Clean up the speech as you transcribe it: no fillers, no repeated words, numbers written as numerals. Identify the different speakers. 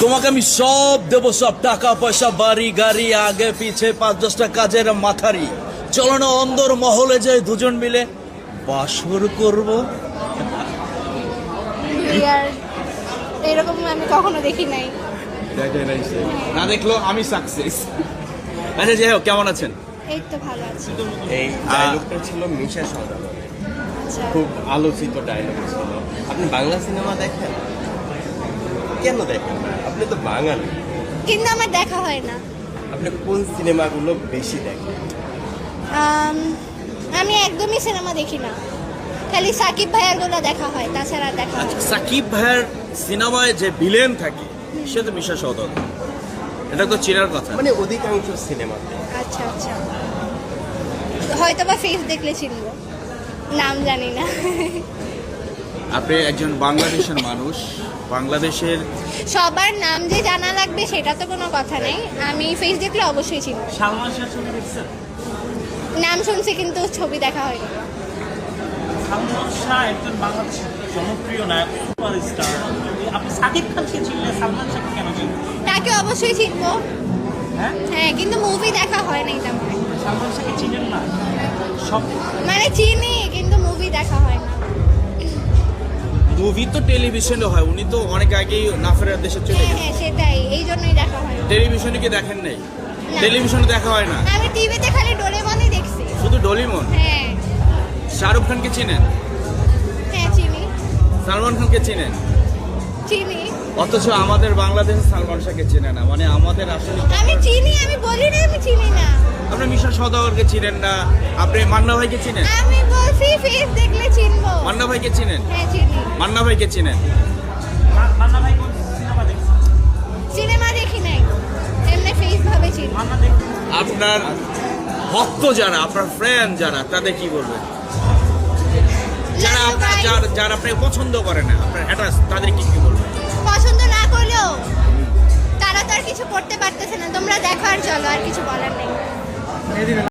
Speaker 1: তোমাকে আমি সব দেবো, সব টাকা পয়সা, বাড়ি গাড়ি, আগে পিছে 5-10টা কাজের মাথারি। চলো না অন্দর মহলে যাই দুজন মিলে বাসর করব।
Speaker 2: বিয়ার এরকম আমি কখনো দেখি নাই।
Speaker 1: না দেখলো আমি সাকসেস। আচ্ছা যাই হোক, কেমন আছেন?
Speaker 2: এই তো ভালো আছি।
Speaker 3: এই ডায়লগটা ছিল মিশা সওদাগর,
Speaker 2: আচ্ছা,
Speaker 3: খুব আলোচিত ডায়লগ ছিল। আপনি বাংলা সিনেমা দেখেন? কেন দেখেন না? আপনি তো বাঙালি।
Speaker 2: কিন্তু আমার দেখা হয় না।
Speaker 3: আপনি কোন সিনেমাগুলো বেশি দেখেন?
Speaker 2: আমি একদমই সিনেমা দেখি না, খালি সাকিব ভাইয়ার গুলো দেখা হয়, তাছাড়া আর দেখা হয় না।
Speaker 1: সাকিব ভাইয়ের সিনেমায় যে ভিলেন থাকে সে তো মিশা সওদাগর, এটা তো চেনার কথা।
Speaker 3: মানে অধিকাংশ সিনেমাতে।
Speaker 2: আচ্ছা আচ্ছা, হয়তো বা ফেস দেখলে চিনবো, নাম জানি না।
Speaker 1: আপনি একজন বাংলাদেশের মানুষ, বাংলাদেশের
Speaker 2: সবার নাম যে জানা লাগবে সেটা তো কোনো কথা নেই, আমি ফেস দেখলে অবশ্যই চিনবো।
Speaker 4: সালমান শাহ ছবি দেখছেন?
Speaker 2: নাম শুনছি কিন্তু ছবি দেখা হয়নি।
Speaker 4: সালমান শাহ একজন বাংলাদেশের জনপ্রিয় নায়ক, সুপারস্টার। আপনি সাকিব খানকে চিনলে সালমান শাহকে কেন চিনবেন?
Speaker 2: তাকে অবশ্যই চিনবো,
Speaker 4: হ্যাঁ,
Speaker 2: হ্যাঁ, কিন্তু মুভি দেখা হয় নাই তেমন একটা।
Speaker 4: সালমান শাহকে চিনেন না? সব
Speaker 2: মানে চিনি কিন্তু মুভি দেখা হয় না।
Speaker 1: মুভি তো টেলিভিশনে হয়, উনি তো অনেক আগেই নাফেরার দেশে চলে
Speaker 2: হ্যাঁ
Speaker 1: গেছেন।
Speaker 2: হ্যাঁ, সেটাই, এই জন্যই দেখা হয় না।
Speaker 1: টেলিভিশনে কি দেখেন নাই?
Speaker 2: না।
Speaker 1: টেলিভিশনে দেখা হয় না,
Speaker 2: আমি টিভিতে খালি ডোরেমনই দেখছি।
Speaker 1: শুধু ডলিমন।
Speaker 2: হ্যাঁ
Speaker 1: শাহরুখ খানকে চিনেন?
Speaker 2: হ্যাঁ, চিনি
Speaker 1: সালমান খানকে চিনেন?
Speaker 2: চিনি।
Speaker 1: অথচ আমাদের বাংলাদেশে সালমান শাহকে চেনে না, মানে আমাদের আসলে
Speaker 2: আমি চিনি, আমি বলি না আমি চিনি না।
Speaker 1: আপনি মিশা সওদাগরকে চিনেন না, আপনি মান্না ভাইকে চিনেন?
Speaker 2: আমি বলছি ফেস দেখলে চিনবো।
Speaker 1: মান্না ভাইকে চিনেন?
Speaker 2: হ্যাঁ চিনি।
Speaker 1: মান্না ভাইকে চিনেন?
Speaker 4: মান্না ভাই কোন সিনেমা দেখছেন?
Speaker 2: সিনেমা দেখি নাই, এমনি ফেস ভাবে চিনি।
Speaker 4: মান্না দেখছেন?
Speaker 1: আপনার ভক্ত যারা, আপনার ফ্রেন্ড যারা, তাদের কি বলবেন? যারা আপনার যারা আপনাকে পছন্দ করে না, আপনার হ্যাটার্স, তাদের কি বলবেন?
Speaker 2: পছন্দ না করলেও তারা তো আর কিছু করতে পারতেছে না। তোমরা দেখো আর চলো, আর কিছু বলার নেই।